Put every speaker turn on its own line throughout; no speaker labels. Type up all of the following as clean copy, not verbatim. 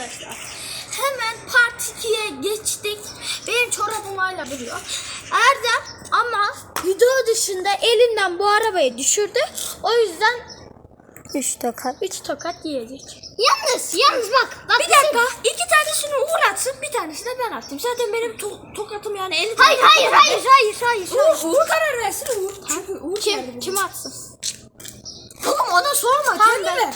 arkadaşlar. Hemen part 2'ye geçtik. Benim çorabım hala duruyor. Erdem ama video dışında elinden bu arabayı düşürdü. O yüzden 3 tokat yiyecek. Yalnız bak bir dakika. 2 tanesini Uğur atsın, bir tanesini ben attım. Zaten benim tokatım yani 50 tane. Hayır. Uğur karar versin Uğur. Çünkü Uğur kim atsın? Oğlum ona sorma. Kendi ver.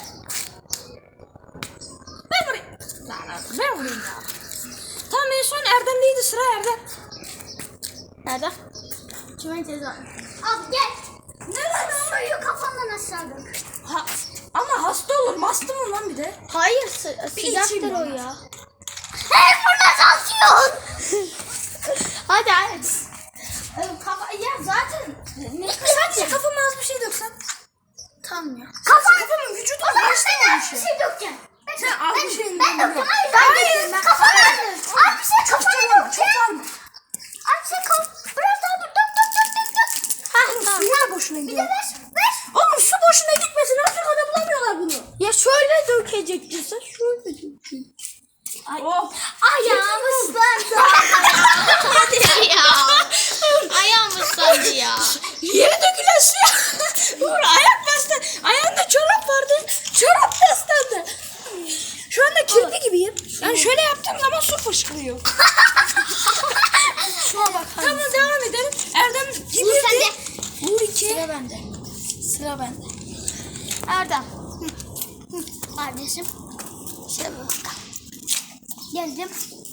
Ben vurayım. Ben vurayım ya. Tamam en son Erdem'deydi, sıra Erdem. Erdem. Kime ceza?
Abi gel. Neden suyu kafandan aşağı dök.
Ama hasta olur. Hasta mı lan bir de? Hayır sıcaktır o ya.
Hey burada atıyorsun.
Hadi. Ya zaten sadece kafama az bir şey döksen. Tamam ya. Kafamın vücudu
Ben bir şey dökeceğim.
Sen az bir şey
Ben dökeceğim. Hayır. Kafana. Abi bir şey kafana dökeceğim. Abi şey biraz daha dur. Dök.
Suyu da boşuna
Bir de
gidiyor.
ver.
Oğlum su boşuna gitmesin. Afrika'da bulamıyorlar bunu. Ya şöyle dökecektin sen. Şöyle dökecektin. Ayağım ıslandı.
Hadi ya. Ayağım ıslandı ya.
Yere dökülen suya. Uğur ayak bastı. Ayağında çorap vardı. Çorap da ıslandı. Şu anda kirpi gibiyim. Yani şöyle yaptığım zaman su fışkırıyor. Şuna bak. Tamam devam edelim. Erdem gibi.
Uğur sende.
Uğur 2.
Sıra bende.
Erdem.
Kardeşim. Şöyle bir bakalım. Geldim.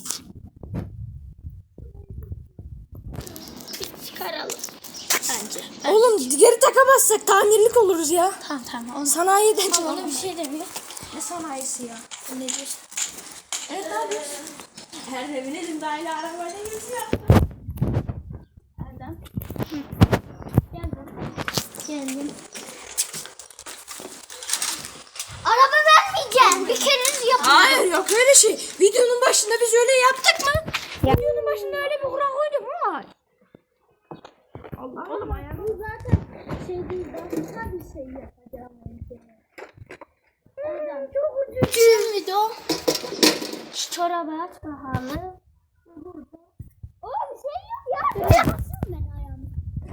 Çıkaralım.
Bence. Oğlum geri takamazsak tamirlik oluruz ya.
Tamam.
Sanayiden
Ona
çıkalım.
bir şey demiyor.
Ne sanayisi ya? Ne diyorsun? Evet ne yapıyorsun? Erdem'in elinde aile arabayla geziyor.
Erdem. Geldim. Araba vermeyeceğim. Bir kere yapalım.
Hayır yok öyle şey. Videonun başında biz öyle yaptık mı? Videonun başında öyle bir kural koyduk mu? Hayır. Allah oğlum ayağım.
Bu zaten şey değil. Başka bir şey yapacağım. Çok ucuz. Şimdi o. Şu çorabı aç bakalım. Burada. Bir şey yok ya. Yapasın ben ayağımı.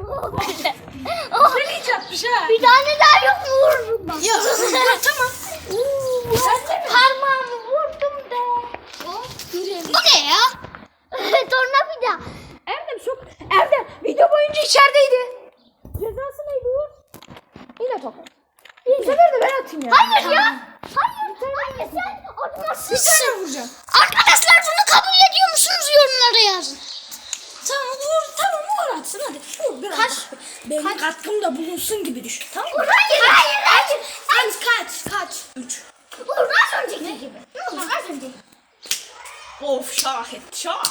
Hiç yapmış ha.
Bir tane daha yok mu vururum bak.
Yok tamam.
Sen de mi? Parmağımı vurdum be. Bu ne ya? Tornavida.
Erdem video boyunca içerideydi. Cezası neydi Uğur? Yine tokat. Bu sefer de ben atayım ya.
Hayır ya. Hayır sen atmazsın.
Bir tane vuracağım.
Arkadaşlar bunu kabul ediyor musunuz yorumlara yazın.
Tamam Uğur atsın hadi. Uğur biraz. Benim katkım da bulunsun gibi düşün. Tamam mı?
Hayır.
Kaç? 3.
Uğur az önceki gibi. Ne olur az önceki.
Of şah et şah.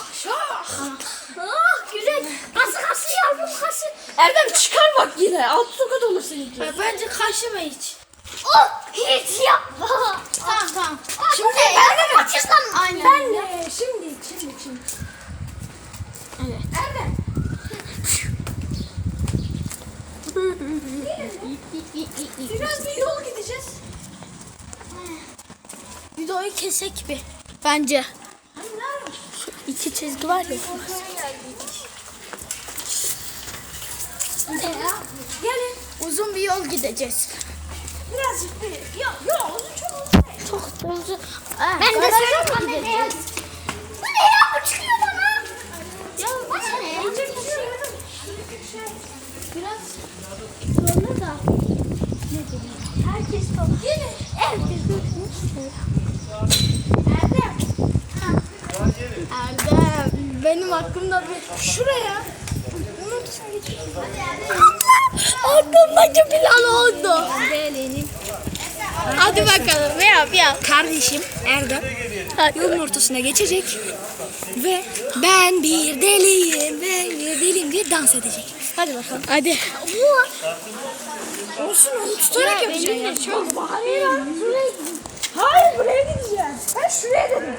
Güzel. Kası yavrum kası.
Erdem çıkar bak yine. Alt tokat olur seninki.
Bence kaşıma hiç.
Hiç yapma.
Tamam.
Şimdi ben de kaçırsam.
Aynen.
Ben de şimdi.
Evet.
Erdem. Biraz bir yol gideceğiz.
Videoyu kesek bir. Bence.
Hani nerede?
İki çizgi var ya.
Gelin.
Uzun bir yol gideceğiz.
Birazcık bir. Yok uzun çok uzun değil.
Çok uzun.
Ben de
Garaja
söylüyorum
mı
kameraya.
gideceğiz?
Bu ne ya? Bu çıkıyor bana.
Ya
Bu ne ya?
biraz zorla da. Ne bileyim. Herkes topluyor. Herkes tutmuş. Erdem. Benim hakkımda bir şuraya. Aklımdaki plan oldu. Hadi bakalım yap.
Kardeşim Erdem yolun ortasına geçecek ve ben bir deliyim diye dans edecek. Hadi bakalım.
Hadi.
Olsun onu tutarak
Ya,
yapacağım.
benim de şöyle
Hayır buraya gideceğiz. Ben şuraya dedim.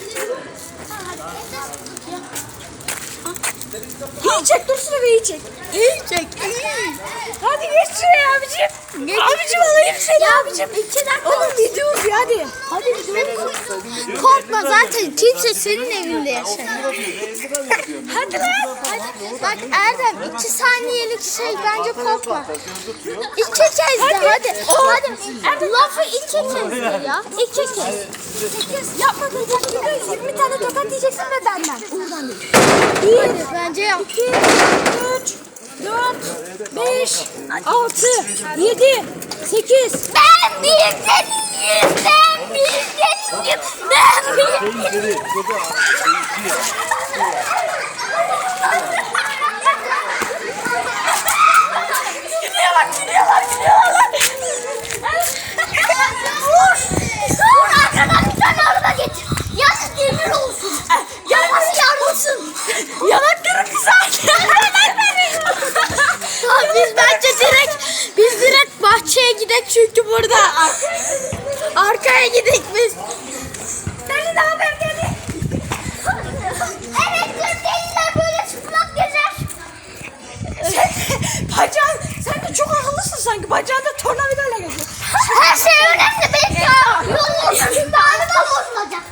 İyi çek dur şuraya iyi çek.
İyi çek.
Hadi geç şuraya abicim. Abicim alayım seni abicim.
2 dakika.
Oğlum gidiyoruz ya hadi.
Hadi gidelim. Korkma zaten kimse senin evinde yaşamıyor.
Hadi lan.
Bak Erdem 2 saniyelik şey bence korkma. 2 kez de hadi. Hadi. Lafı 2 kez de ya. 2 kez.
Yapmadın takdirde 20 tane tokat diyeceksin ve benden. Oradan değil.
Hadi bence yap.
3, 4, 5, 6, 7, 8.
Ben bir deliyim. Ben bir deliyim. Ben bir deliyim. Vur arkadan bir tane araba getir. Yalnız demir olsun. Yalnız yarılsın.
Yanakları kızardı.
Biz direkt bahçeye gidek çünkü burada. Arkaya gidek biz.
Seni de haber geldi.
Evet deliler böyle çıplak gezer.
Bacağın, sen de çok akıllısın sanki. Bacağında tornavidayla geziyor.
Her şey önemli. Benim yolun ortasında araba bozulacak.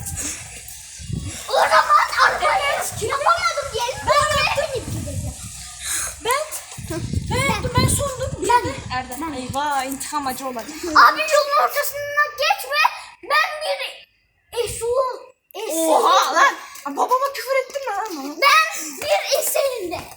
O zaman arabayı yapamadım diyelim. Ben yaptım.
Ben sundum. Erdem. Eyvah intikam acı olacak.
Abi yolun ortasından geçme. Ben bir eşul.
Oha lan. Babama küfür ettin mi lan?
Ben bir eserinde.